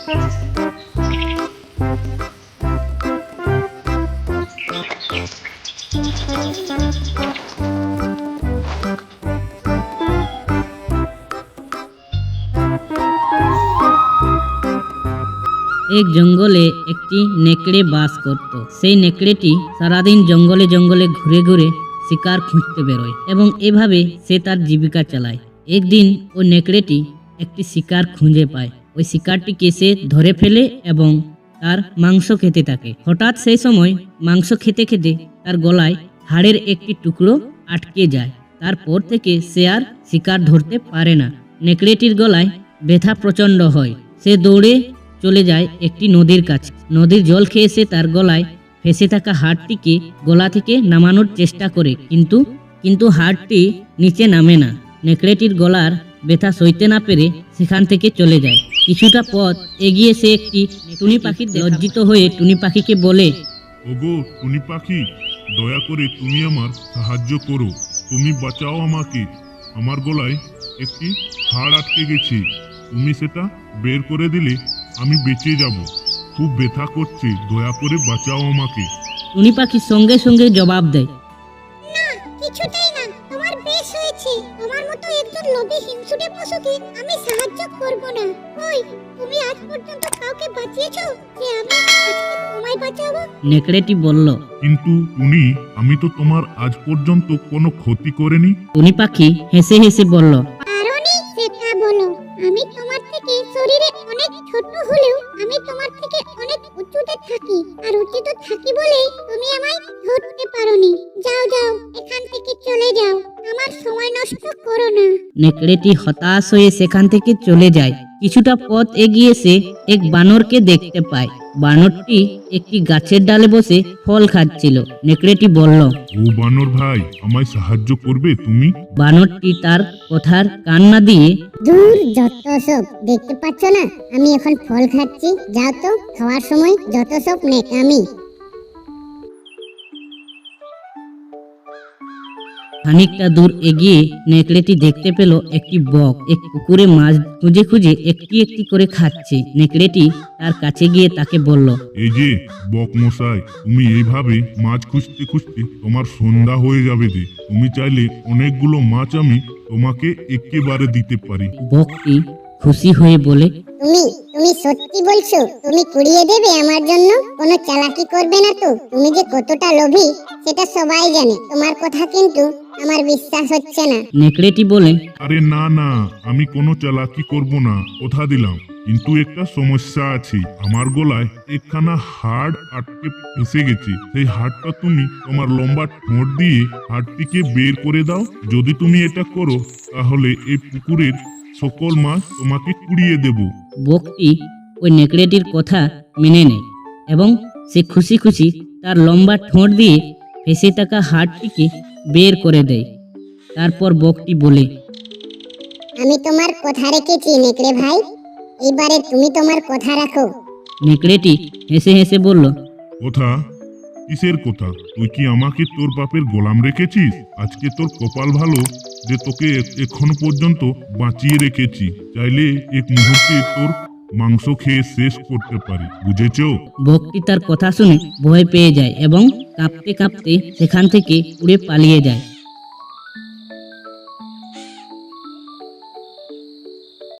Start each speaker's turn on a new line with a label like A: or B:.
A: এক জঙ্গলে একটি নেকড়ে বাস করত। সেই নেকড়েটি সারাদিন জঙ্গলে জঙ্গলে ঘুরে ঘুরে শিকার খুঁজতে বেরোয় এবং এভাবে সে তার জীবিকা চালায়। একদিন ওই নেকড়েটি একটি শিকার খুঁজে পায়। ওই শিকারটিকে সে ধরে ফেলে এবং তার মাংস খেতে থাকে। হঠাৎ সেই সময় মাংস খেতে খেতে তার গলায় হাড়ের একটি টুকরো আটকে যায়। তারপর থেকে সে আর শিকার ধরতে পারে না। নেকড়েটির গলায় ব্যথা প্রচণ্ড হয়। সে দৌড়ে চলে যায় একটি নদীর কাছে। নদীর জল খেয়ে সে তার গলায় ফেঁসে থাকা হাড়টিকে গলা থেকে নামানোর চেষ্টা করে, কিন্তু হাড়টি নিচে নামে না। নেকড়েটির গলার ব্যথা সইতে না পেরে সেখান থেকে চলে যায়। কিছুটা পথ এগিয়ে সে একটি টুনি পাখি লজ্জিত হয়ে টুনি পাখিকে বলে,
B: ওগো টুনি পাখি, দয়া করে তুমি আমার সাহায্য করো। তুমি বাঁচাও আমাকে। আমার গলায় একটি হাড় আটকে গেছে। তুমি সেটা বের করে দিলে আমি বেঁচে যাব। খুব ব্যথা করছে, দয়া করে বাঁচাও আমাকে।
A: টুনি পাখি সঙ্গে সঙ্গে জবাব দেয়,
C: না, কিছুতেই না। তোমার বেশ হয়েছে। তোমার মতো একজন লোভী হিংসুটে পশুকে আমি সাহায্য করব না। ওই, তুমি আজ পর্যন্ত কাউকে বাঁচিয়েছো যে আমি আজকে তোমায় বাঁচাবো?
A: নেকড়েটি বলল।
B: কিন্তু টুনি, আমি তো তোমার আজ পর্যন্ত কোনো ক্ষতি করিনি।
A: টুনি পাখি হেসে হেসে বলল,
C: কারণই সেটা বলো। আমি তোমার থেকে শরীরে অনেক ছোট হলেও আমি তোমার থেকে অনেক উঁচুতে থাকি, আর উঁচুতে থাকি বলেই তুমি আমায় ধরতে পারোনি। যাও যাও, এখান থেকে চলে যাও। আমার সময় নষ্ট করো না।
A: নেকড়েটি হতাশ হয়ে সেখান থেকে চলে যায়। কিছুটা পথ এগিয়ে সে এক বানরকে দেখতে পায়। বানরটি একটি গাছের ডালে বসে ফল খাচ্ছিল। নেকড়েটি বলল,
B: ও বানর ভাই, আমায় সাহায্য করবে তুমি?
A: বানরটি তার কথার কান না দিয়ে,
C: দূর, যত সব, দেখতে পাচ্ছ না আমি এখন ফল খাচ্ছি? যাও তো, খাওয়ার সময় যত সব নেকামি।
A: খানিকটা দূর এগিয়ে নেকড়েটি দেখতে পেল একটি বক এক পুকুরে মাছ খুঁজে খুঁজে একটি একটি করে খাচ্ছে। নেকড়েটি তার কাছে গিয়ে তাকে বলল,
B: এই যে বক মশাই, তুমি এইভাবে মাছ খুঁজতে খুঁজতে তোমার সন্ধ্যা হয়ে যাবে যে। তুমি চাইলে অনেকগুলো মাছ আমি তোমাকে একেবারে দিতে পারি।
A: বকটি খুশি হয়ে বলে,
C: তুমি সত্যি বলছো? তুমি কুড়িয়ে দেবে আমার জন্য? কোনো চালাকি করবে না তো? তুমি যে কতটা লোভী সেটা সবাই জানে। তোমার কথা কিন্তু আমার বিশ্বাস হচ্ছে না।
A: নেকড়েটি বলে,
B: আরে না না, আমি কোনো চালাকি করব না, কথা দিলাম। কিন্তু একটা সমস্যা আছে। আমার গলায় একখানা হাড় আটকে ফেসে গেছে। সেই হাড়টা তুমি তোমার লম্বা ঠোঁট দিয়ে হাড়টিকে বের করে দাও। যদি তুমি এটা করো তাহলে এই পুকুরের সকল মাছ তোমাকে কুড়িয়ে দেব।
A: বকটি ওই নেকড়েটির কথা মেনে নেয় এবং সে খুশি খুশি তার লম্বা ঠোঁট দিয়ে ফেঁসে থাকা হাড়টিকে বের করে দেয়। তারপর বকটি বলে,
C: আমি তোমার কথা রেখেছি নেকড়ে ভাই। এবারে তুমি তোমার কথা রাখো।
A: নেকড়েটি হেসে হেসে বলল,
B: কথা? কিসের কথা? তুই কি আমাকে তোর বাপের গোলাম রেখেছিস? আজকে তোর কপাল ভালো যে তোকে এখনো পর্যন্ত বাঁচিয়ে রেখেছি। চাইলে এক মুহূর্তে তোর মাংস খেয়ে শেষ করতে পারি, বুঝেছো?
A: বকটি তার কথা শুনে ভয় পেয়ে যায় এবং কাঁপতে কাঁপতে সেখান থেকে উড়ে পালিয়ে যায়।